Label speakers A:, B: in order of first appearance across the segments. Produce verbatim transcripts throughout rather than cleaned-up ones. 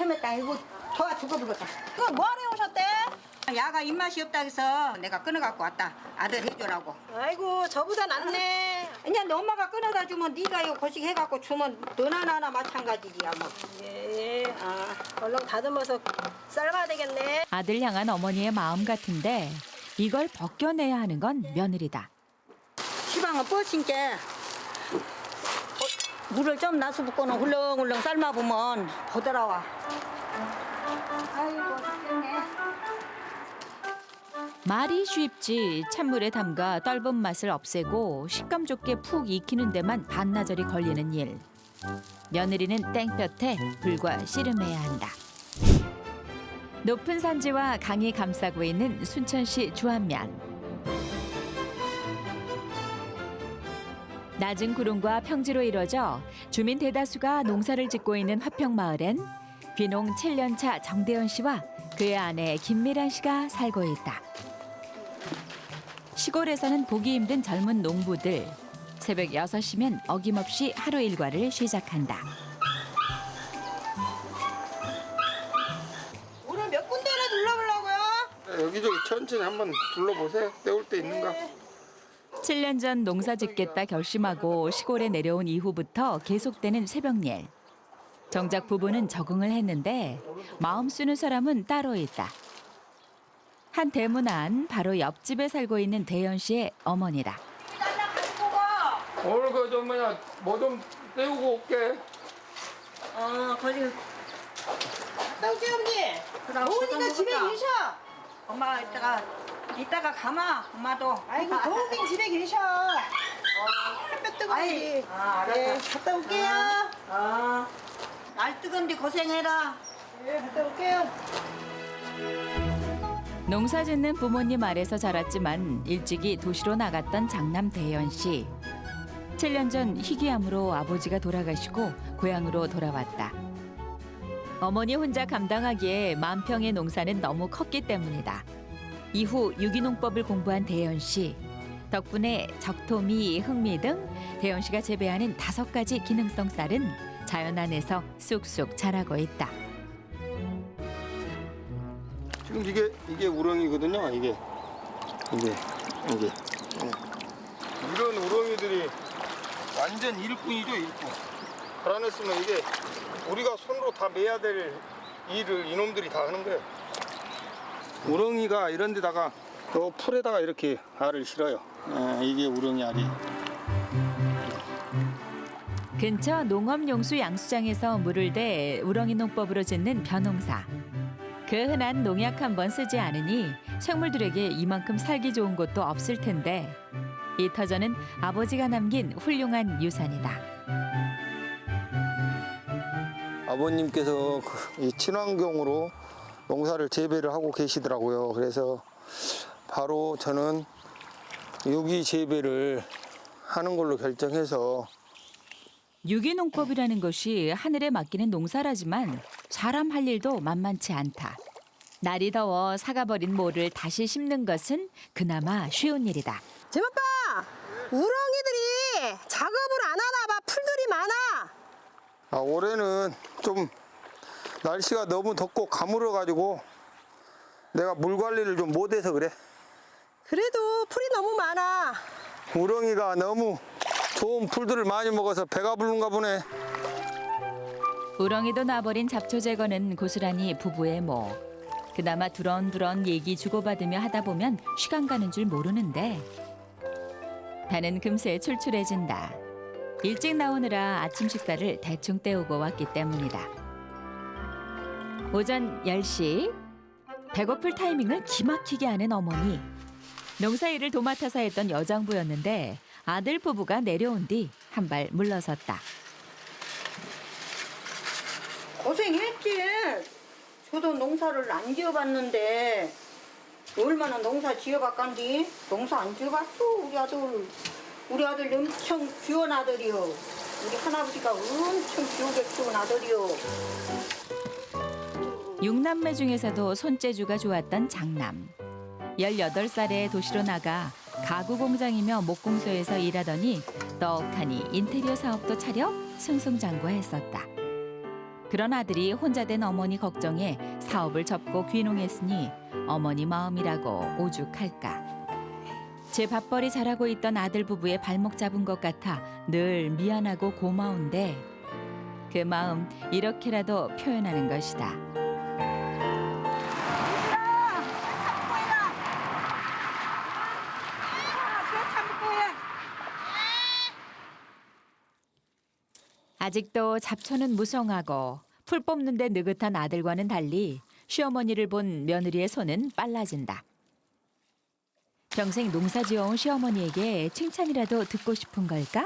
A: 헤맸다. 이거 도와 죽어버렸다.
B: 그거 뭐하러 오셨대?
A: 야가 입맛이 없다 해서 내가 끊어갖고 왔다. 아들 해주라고.
B: 아이고 저보다 낫네.
A: 그냥 너 엄마가 끊어다 주면 네가 이거 거식 해갖고 주면 너나 나나 마찬가지지야 뭐.
B: 예, 아, 얼른 다듬어서 삶아야 되겠네.
C: 아들 향한 어머니의 마음 같은데 이걸 벗겨내야 하는 건 며느리다.
A: 시방은 뻗친게 물을 좀 나서 붓고는 훌렁훌렁 삶아보면 보더라와. 아이고 죽겠네.
C: 말이 쉽지 찬물에 담가 떫은 맛을 없애고 식감 좋게 푹 익히는 데만 반나절이 걸리는 일. 며느리는 땡볕에 불과 씨름해야 한다. 높은 산지와 강이 감싸고 있는 순천시 주안면. 낮은 구름과 평지로 이뤄져 주민 대다수가 농사를 짓고 있는 화평마을엔 귀농 칠 년 차 정대현 씨와 그의 아내 김미란 씨가 살고 있다. 시골에서는 보기 힘든 젊은 농부들. 새벽 여섯 시면 어김없이 하루 일과를 시작한다.
B: 오늘 몇 군데나 둘러보려고요?
D: 여기저기 천천히 한번 둘러보세요. 때울 때 있는가?
C: 칠 년 전 농사 짓겠다 결심하고 시골에 내려온 이후부터 계속되는 새벽일. 정작 부부는 적응을 했는데 마음 쓰는 사람은 따로 있다. 한 대문 안 바로 옆집에 살고 있는 대현 씨의 어머니다.
D: 오늘 그 좀 뭐냐 뭐 좀 때우고 올게.
B: 어, 거기. 떡지 언니.
A: 그럼
B: 어머니가
A: 고생
B: 집에
A: 먹었다.
B: 계셔.
A: 엄마가 이따가 이따가 가마 엄마도.
B: 아이고 도우빈 집에 계셔. 햇볕 뜨거운데.
A: 아이, 아, 알았다.
B: 네, 갔다 올게요.
A: 아, 날 뜨거운데 고생해라.
B: 네, 갔다 올게요.
C: 농사 짓는 부모님 아래서 자랐지만 일찍이 도시로 나갔던 장남 대현 씨. 칠 년 전 희귀암으로 아버지가 돌아가시고 고향으로 돌아왔다. 어머니 혼자 감당하기에 만평의 농사는 너무 컸기 때문이다. 이후 유기농법을 공부한 대현 씨. 덕분에 적토미, 흑미 등 대현 씨가 재배하는 다섯 가지 기능성 쌀은 자연 안에서 쑥쑥 자라고 있다.
D: 지금 이게 이게 우렁이거든요. 이게 이게 이게 예. 이런 우렁이들이 완전 일꾼이죠 일꾼. 달아냈으면 이게 우리가 손으로 다 매야 될 일을 이놈들이 다 하는 거예요. 우렁이가 이런 데다가 또 풀에다가 이렇게 알을 실어요. 예, 이게 우렁이 알이.
C: 근처 농업용수 양수장에서 물을 대 우렁이 농법으로 짓는 벼농사. 그 흔한 농약 한 번 쓰지 않으니 생물들에게 이만큼 살기 좋은 곳도 없을 텐데 이 터전은 아버지가 남긴 훌륭한 유산이다.
D: 아버님께서 그 이 친환경으로 농사를 재배를 하고 계시더라고요. 그래서 바로 저는 여기 재배를 하는 걸로 결정해서.
C: 유기농법이라는 것이 하늘에 맡기는 농사라지만 사람 할 일도 만만치 않다. 날이 더워 사가버린 모를 다시 심는 것은 그나마 쉬운 일이다.
B: 제맛봐 우렁이들이 작업을 안 하나 봐. 풀들이 많아.
D: 아, 올해는 좀 날씨가 너무 덥고 가물어가지고 내가 물 관리를 좀 못해서 그래.
B: 그래도 풀이 너무 많아.
D: 우렁이가 너무 좋은 풀들을 많이 먹어서 배가 부른가 보네.
C: 우렁이도 놔버린 잡초 제거는 고스란히 부부의 목. 그나마 두런두런 얘기 주고받으며 하다 보면 시간 가는 줄 모르는데 배는 금세 출출해진다. 일찍 나오느라 아침 식사를 대충 때우고 왔기 때문이다. 오전 열 시 배고플 타이밍을 기막히게 하는 어머니. 농사일을 도맡아서 했던 여장부였는데 아들 부부가 내려온 뒤 한 발 물러섰다.
A: 고생했지. 저도 농사를 안 지어봤는데 얼마나 농사 지어봤간디? 농사 안 지어봤어 우리 아들. 우리 아들 엄청 귀여운 아들이요. 우리 할아버지가 엄청 귀하게 키운 아들이요.
C: 육남매 중에서도 손재주가 좋았던 장남. 열여덟 살에 도시로 나가 가구 공장이며 목공소에서 일하더니 떡하니 인테리어 사업도 차려 승승장구했었다. 그런 아들이 혼자 된 어머니 걱정에 사업을 접고 귀농했으니 어머니 마음이라고 오죽할까. 제 밥벌이 잘하고 있던 아들 부부의 발목 잡은 것 같아 늘 미안하고 고마운데 그 마음 이렇게라도 표현하는 것이다. 아직도 잡초는 무성하고 풀 뽑는데 느긋한 아들과는 달리 시어머니를 본 며느리의 손은 빨라진다. 평생 농사 지어온 시어머니에게 칭찬이라도 듣고 싶은 걸까?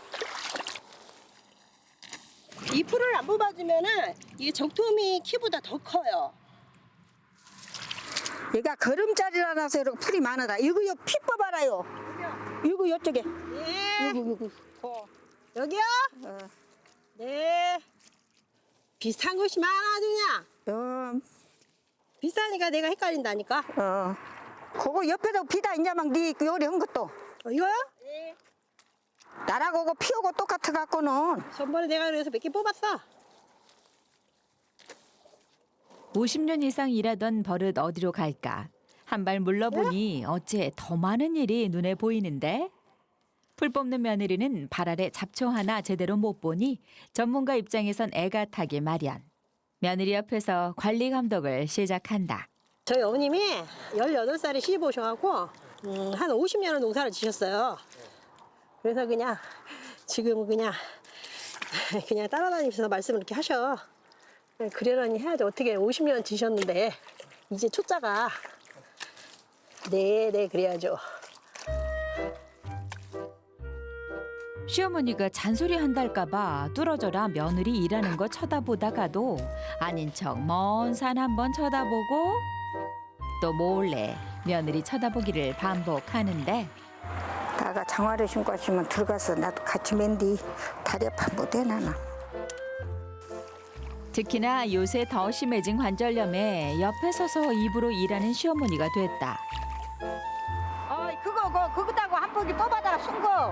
B: 이 풀을 안 뽑아주면은 이게 적토미 키보다 더 커요.
A: 얘가 걸음자리라서 이렇게 풀이 많아다. 이거 이거 피 뽑아라요. 이거 이쪽에.
B: 네.
A: 이거 이거.
B: 어. 여기요?
A: 어.
B: 네. 비슷한 것이 많아지냐?
A: 어.
B: 비싸니까 내가 헷갈린다니까.
A: 어. 그거 옆에도 비다 있냐 막네 요리 한 것도.
B: 어, 이거요? 네.
A: 나라고 그거 피우고 똑같아 갖고는.
B: 전번에 내가 그래서 몇 개 뽑았어.
C: 오십 년 이상 일하던 버릇 어디로 갈까? 한 발 물러보니 어째 더 많은 일이 눈에 보이는데? 풀 뽑는 며느리는 발 아래 잡초 하나 제대로 못 보니 전문가 입장에선 애가 타기 마련. 며느리 옆에서 관리 감독을 시작한다.
B: 저희 어머님이 열여덟 살에 시집 오셔갖고 음, 한 오십 년을 농사를 지셨어요. 그래서 그냥 지금 그냥 그냥 따라다니면서 말씀을 이렇게 하셔. 그러려니 해야지. 어떻게 오십 년 지셨는데 이제 초짜가 네네 그래야죠.
C: 시어머니가 잔소리 한달까 봐 뚫어져라 며느리 일하는 거 쳐다보다가도 아닌 척 먼 산 한번 쳐다보고 또 몰래 며느리 쳐다보기를 반복하는데
A: 나가 장화를 신고 왔으면 들어가서 나도 같이 맨디 다리 아파 못해 나는.
C: 특히나 요새 더 심해진 관절염에 옆에 서서 입으로 일하는 시어머니가 됐다.
A: 어 그거 그거 그거다고 한 포기 뽑아다가 순 거.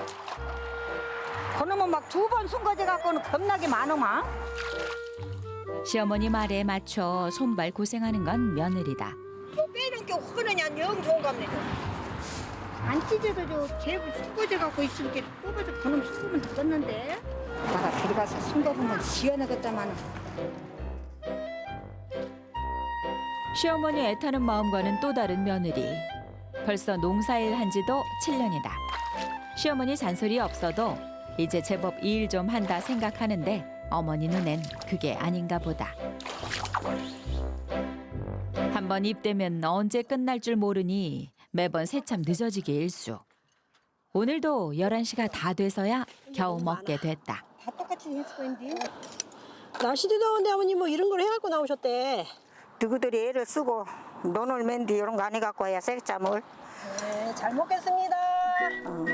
A: 그놈은 막 두 번 순거제 갖고는 겁나게 많으마.
C: 시어머니 말에 맞춰 손발 고생하는 건 며느리다.
A: 뭐 빼는 게 흔하냐 영 좋은 겁니다. 안 찢어도 저 제부 순거제 갖고 있으니까 뽑아서 그놈 순거면 됐는데. 나가 들어가서 순거 보면 시원하겠다마는.
C: 시어머니 애타는 마음과는 또 다른 며느리. 벌써 농사일 한 지도 칠 년이다. 시어머니 잔소리 없어도 이제 제법 일 좀 한다 생각하는데 어머니 눈엔 그게 아닌가 보다. 한 번 입대면 언제 끝날 줄 모르니 매번 새참 늦어지게 일수. 오늘도 열한 시가 다 돼서야 겨우 먹게 됐다.
A: 다 똑같이 했을 거인데.
B: 날씨도 더운데 어머님 뭐 이런 걸 해갖고 나오셨대.
A: 누구들이 애를 쓰고 논을 맨디 이런 거 안 해갖고 와야 쌀짬을.
B: 네, 잘 먹겠습니다.
A: 어.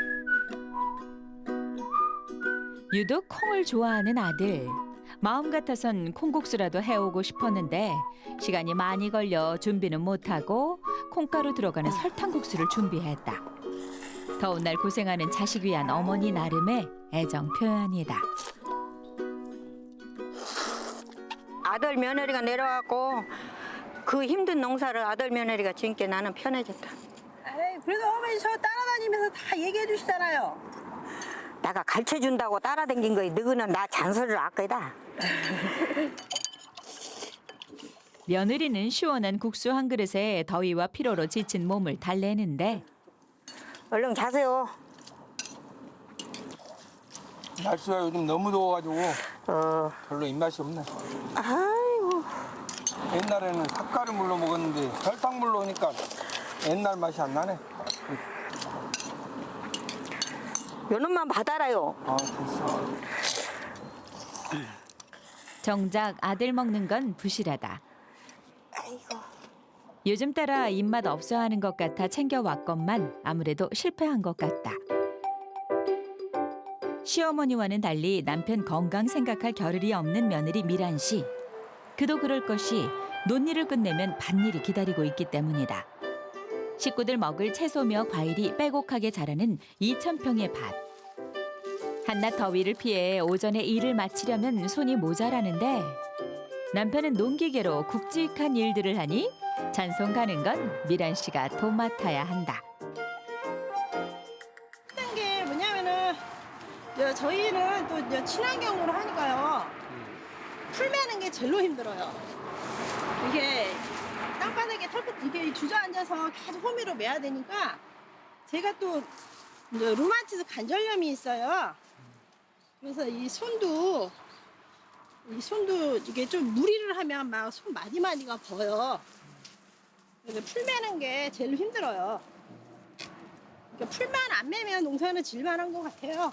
C: 유독 콩을 좋아하는 아들. 마음 같아선 콩국수라도 해오고 싶었는데 시간이 많이 걸려 준비는 못하고 콩가루 들어가는 설탕국수를 준비했다. 더운 날 고생하는 자식 위한 어머니 나름의 애정 표현이다.
A: 아들 며느리가 내려왔고 그 힘든 농사를 아들 며느리가 지니까 나는 편해졌다.
B: 에이, 그래도 어머니 저 따라다니면서 다 얘기해 주시잖아요.
A: 내가 가르쳐준다고 따라댕긴 거야. 너희는 나 잔소리를 아까이다.
C: 며느리는 시원한 국수 한 그릇에 더위와 피로로 지친 몸을 달래는데
A: 얼른 자세요.
D: 날씨가 요즘 너무 더워가지고
A: 어,
D: 별로 입맛이 없네.
A: 아이고.
D: 옛날에는 삭가루물로 먹었는데 설탕물로 오니까 옛날 맛이 안 나네.
A: 요놈만 받아라요.
D: 아, 됐어.
C: 정작 아들 먹는 건 부실하다.
A: 아이고.
C: 요즘 따라 입맛 없어 하는 것 같아 챙겨왔건만 아무래도 실패한 것 같다. 시어머니와는 달리 남편 건강 생각할 겨를이 없는 며느리 미란 씨. 그도 그럴 것이 논일을 끝내면 밭일이 기다리고 있기 때문이다. 식구들 먹을 채소며 과일이 빼곡하게 자라는 이천 평의 밭. 한낮 더위를 피해 오전에 일을 마치려면 손이 모자라는데 남편은 농기계로 굵직한 일들을 하니 잔송 가는 건 미란 씨가 도맡아야 한다.
B: 힘든 게 뭐냐면은 저- 저희는 또 이제 친환경으로 하니까요. 풀 매는 게 제일로 힘들어요. 이게 땅바닥에 털끝 이게 주저앉아서 계속 호미로 매야 되니까 제가 또 이제 루마티스 관절염이 있어요. 그래서 이 손도 이 손도 이게 좀 무리를 하면 막 손 마디마디가 버요. 그래서 풀 매는 게 제일 힘들어요. 그러니까 풀만 안 매면 농사는 질만한 것 같아요.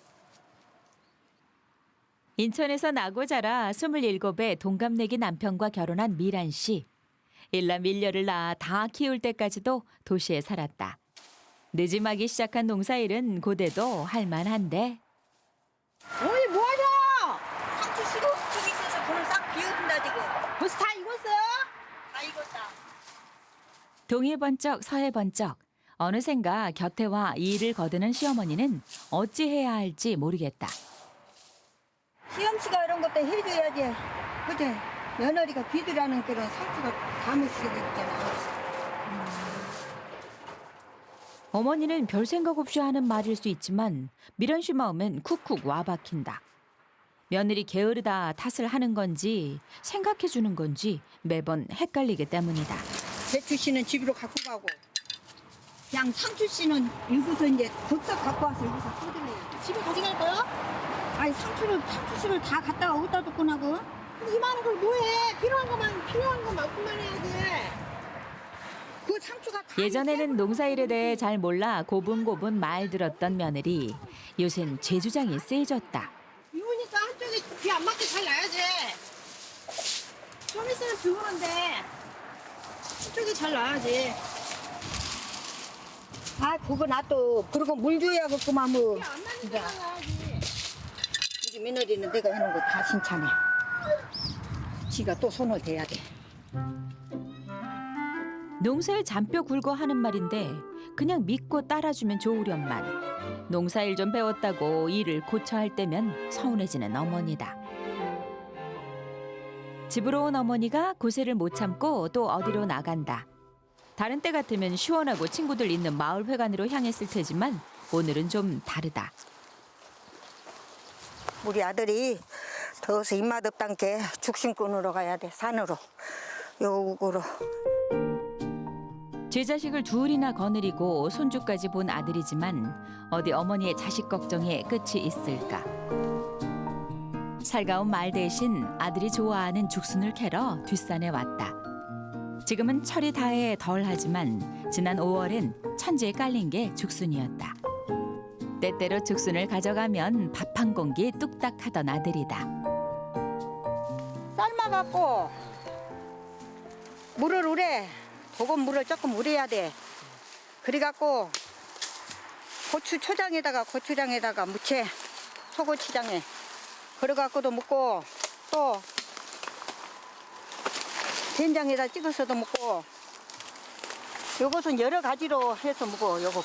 C: 인천에서 나고 자라 스물일곱에 동갑내기 남편과 결혼한 미란 씨. 일남 일녀를 낳아 다 키울 때까지도 도시에 살았다. 늦음하기 시작한 농사일은 고대도 할만한데
B: 어머니 뭐하냐?
A: 상추 씨도 좀 있어서 그걸 싹 비워둔다 지금.
B: 벌써 다 익었어요?
A: 다 익었다.
C: 동해 번쩍 서해 번쩍 어느샌가 곁에 와 일을 거두는 시어머니는 어찌해야 할지 모르겠다.
A: 시험씨가 이런 것도 해줘야지. 그제 며느리가 비두라는 그런 상추가 담으시게 됐잖아.
C: 어머니는 별 생각 없이 하는 말일 수 있지만 미란 씨 마음엔 쿡쿡 와박힌다. 며느리 게으르다 탓을 하는 건지 생각해 주는 건지 매번 헷갈리기 때문이다.
A: 배추 씨는 집으로 갖고 가고, 그냥 상추 씨는 여기서 이제 덥석 갖고 와서 여기서 뜯으래.
B: 집에 가져갈 거요?
A: 아니 상추를 상추 씨를 다 갖다가 어디다 뒀고 나고?
B: 근데 이만한 걸 뭐해? 필요한 것만 필요한 것만큼만 해야지.
A: 그 상추가 다
C: 예전에는 농사일에 대해 잘 몰라 고분고분 말 들었던 며느리. 요샌 제 주장이 세졌다.
B: 비우니까 한쪽에 비 안 맞게 잘 놔야지. 좀 있으면 비 오는데 한쪽이 잘 놔야지.
A: 아 그거 놔둬. 그리고 물 줘야겠구만 뭐.
B: 비 안 맞는
A: 진짜.
B: 데만 놔야지.
A: 우리 며느리는 내가 해놓은 거 다 칭찬해. 지가 또 손을 대야 돼.
C: 농사일 잔뼈 굵어 하는 말인데 그냥 믿고 따라주면 좋으련만 농사일 좀 배웠다고 일을 고쳐 할 때면 서운해지는 어머니다. 집으로 온 어머니가 고세를 못 참고 또 어디로 나간다. 다른 때 같으면 시원하고 친구들 있는 마을회관으로 향했을 테지만 오늘은 좀 다르다.
A: 우리 아들이 더워서 입맛 없단게 죽심 끊으러 가야 돼. 산으로. 요구로.
C: 제 자식을 둘이나 거느리고 손주까지 본 아들이지만 어디 어머니의 자식 걱정에 끝이 있을까. 살가운 말 대신 아들이 좋아하는 죽순을 캐러 뒷산에 왔다. 지금은 철이 다해 덜하지만 지난 오월엔 천지에 깔린 게 죽순이었다. 때때로 죽순을 가져가면 밥 한 공기 뚝딱 하던 아들이다.
A: 삶아갖고 물을 우래. 조금 물을 조금 우려야 돼. 그래갖고 고추 초장에다가 고추장에다가 무채 소고추장에 그래갖고도 먹고 또 된장에다 찍어서도 먹고 요것은 여러 가지로 해서 먹어. 요거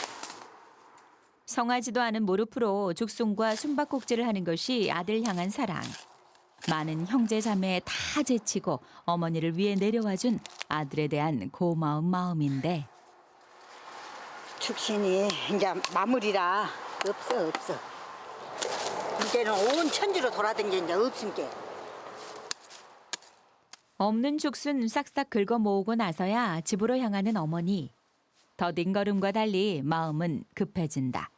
C: 성하지도 않은 무릎으로 죽순과 숨바꼭질을 하는 것이 아들 향한 사랑. 많은 형제 자매 다 제치고 어머니를 위해 내려와준 아들에 대한 고마운 마음인데
A: 축신이 이제 마무리라 없어 없어. 이제는 온 천지로 돌아다니는 이제 없은 게.
C: 없는 죽순 싹싹 긁어 모으고 나서야 집으로 향하는 어머니. 더딘 걸음과 달리 마음은 급해진다.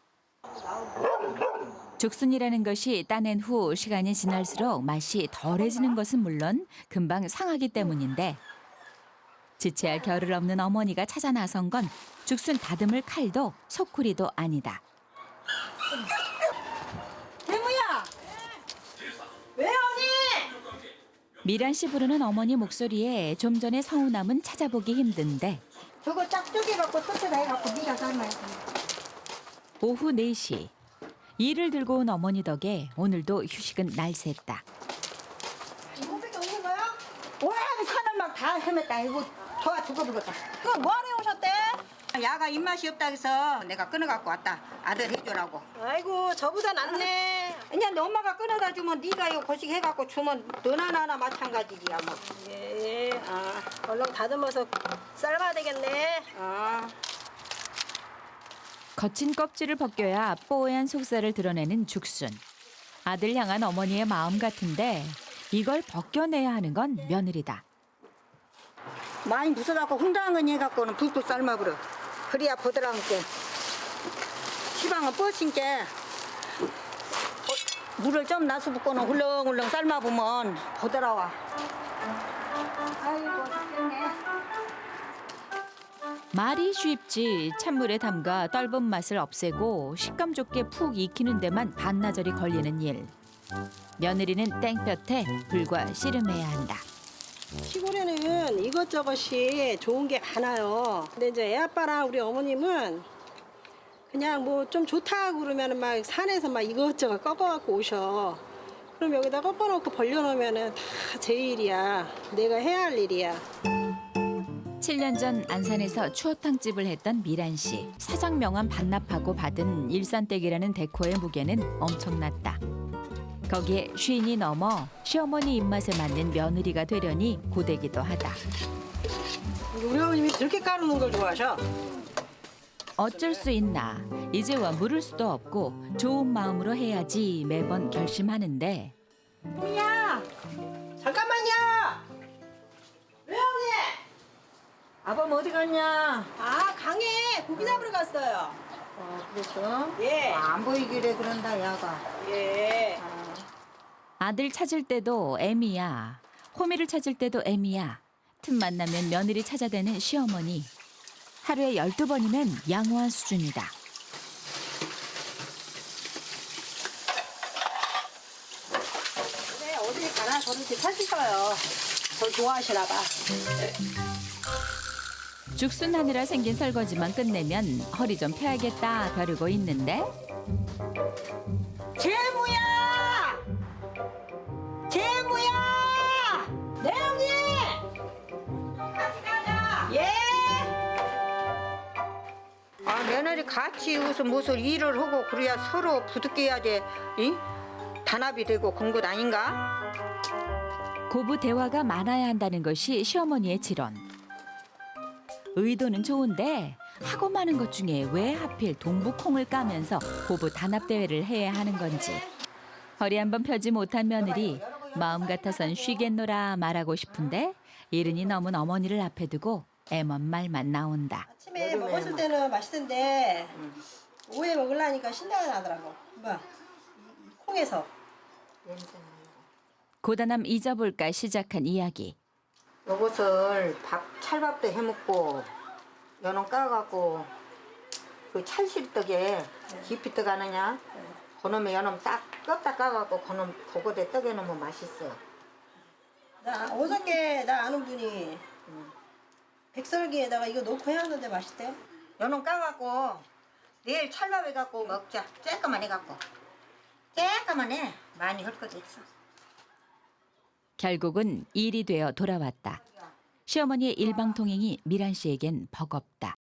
C: 죽순이라는 것이 따낸 후 시간이 지날수록 맛이 덜해지는 것은 물론 금방 상하기 때문인데 지체할 겨를 없는 어머니가 찾아 나선 건 죽순 다듬을 칼도 소쿠리도 아니다.
A: 대무야.
B: 왜 언니?
C: 미란 씨 부르는 어머니 목소리에 좀 전에 서운함은 찾아보기 힘든데
A: 저거 쫙 쪼개갖고 소스다 해갖고 네가 삶아야 돼.
C: 오후 네 시. 일을 들고 온 어머니 덕에 오늘도 휴식은 날샜다.
B: 이거밖에 없는 거야?
A: 와 산을 막 다 헤맸다. 이거 더워 죽어버렸다.
B: 그거 뭐하러 오셨대?
A: 야가 입맛이 없다 해서 내가 끊어갖고 왔다. 아들 해주라고.
B: 아이고 저보다 낫네.
A: 그냥 너 엄마가 끊어다 주면 네가 이거 거식 해갖고 주면 너나 나나 마찬가지지야 뭐.
B: 예. 아, 얼른 다듬어서 삶아야 되겠네.
A: 아.
C: 거친 껍질을 벗겨야 뽀얀 속살을 드러내는 죽순. 아들 향한 어머니의 마음 같은데 이걸 벗겨내야 하는 건 며느리다.
A: 많이 무서갖고 훈당은 해갖고는 불고 삶아버려. 그래야 보드랑게. 시방은 뻗친게 물을 좀 나서 붓고는 훌렁훌렁 삶아보면 보드라와. 아이고 죽겠네.
C: 말이 쉽지 찬물에 담가 떫은 맛을 없애고 식감 좋게 푹 익히는 데만 반나절이 걸리는 일. 며느리는 땡볕에 불과 씨름해야 한다.
B: 시골에는 이것저것이 좋은 게 많아요. 근데 이제 애 아빠랑 우리 어머님은 그냥 뭐 좀 좋다 그러면은 막 산에서 막 이것저것 꺾어갖고 오셔. 그럼 여기다 꺾어놓고 벌려놓으면은 다 제 일이야. 내가 해야 할 일이야.
C: 칠 년 전 안산에서 추어탕집을 했던 미란 씨. 사장 명함 반납하고 받은 일산댁이라는 데코의 무게는 엄청났다. 거기에 쉰이 넘어 시어머니 입맛에 맞는 며느리가 되려니 고되기도 하다.
B: 우리 어머님이 그렇게 까르는 걸 좋아하셔.
C: 어쩔 수 있나. 이제와 물을 수도 없고 좋은 마음으로 해야지 매번 결심하는데
B: 야 잠깐만요. 외형님.
A: 아범 어디 갔냐?
B: 아 강에 고기 잡으러 갔어요.
A: 어, 그랬어?
B: 예.
A: 아, 안 보이기래 그런다 야가.
B: 예.
A: 아.
C: 아들 찾을 때도 애미야. 호미를 찾을 때도 애미야. 틈만 나면 며느리 찾아대는 시어머니. 하루에 열두 번이면 양호한 수준이다.
B: 네, 어딜 가나 저를 이렇게 찾으셔요. 저 좋아하시나 봐.
C: 죽순하느라 생긴 설거지만 끝내면 허리 좀 펴야겠다 벼르고 있는데
A: 재무야! 재무야!
B: 네 형님. 같이 가자. 예.
A: 아 며느리 같이 무슨 무슨 일을 하고 그래야 서로 부득해야지 이? 단합이 되고 그런 것 아닌가?
C: 고부 대화가 많아야 한다는 것이 시어머니의 지론. 의도는 좋은데 하고 많은 것 중에 왜 하필 동북콩을 까면서 고부 단합 대회를 해야 하는 건지. 허리 한번 펴지 못한 며느리 마음 같아선 쉬겠노라 말하고 싶은데 이른이 넘은 어머니를 앞에 두고 애먼 말만 나온다.
B: 아침에 먹었을 때는 맛있던데 오후에 먹으려니까 신내가 나더라고. 뭐 콩에서.
C: 고단함 잊어볼까 시작한 이야기.
A: 요것을 밥 찰밥도 해먹고 연어 까갖고 그 찰실떡에 깊이 떠가느냐 그놈의 연어 딱 껐다 까갖고 그놈 그거에 떡에 넣으면 맛있어.
B: 나 어저께 나 아는 분이 백설기에다가 이거 넣고 해왔는데 맛있대요.
A: 연어 까갖고 내일 찰밥 해갖고 먹자. 쬐까만 해갖고 쬐까만 해. 많이 할 것도 있어.
C: 결국은 일이 되어 돌아왔다. 시어머니의 일방통행이 미란 씨에겐 버겁다.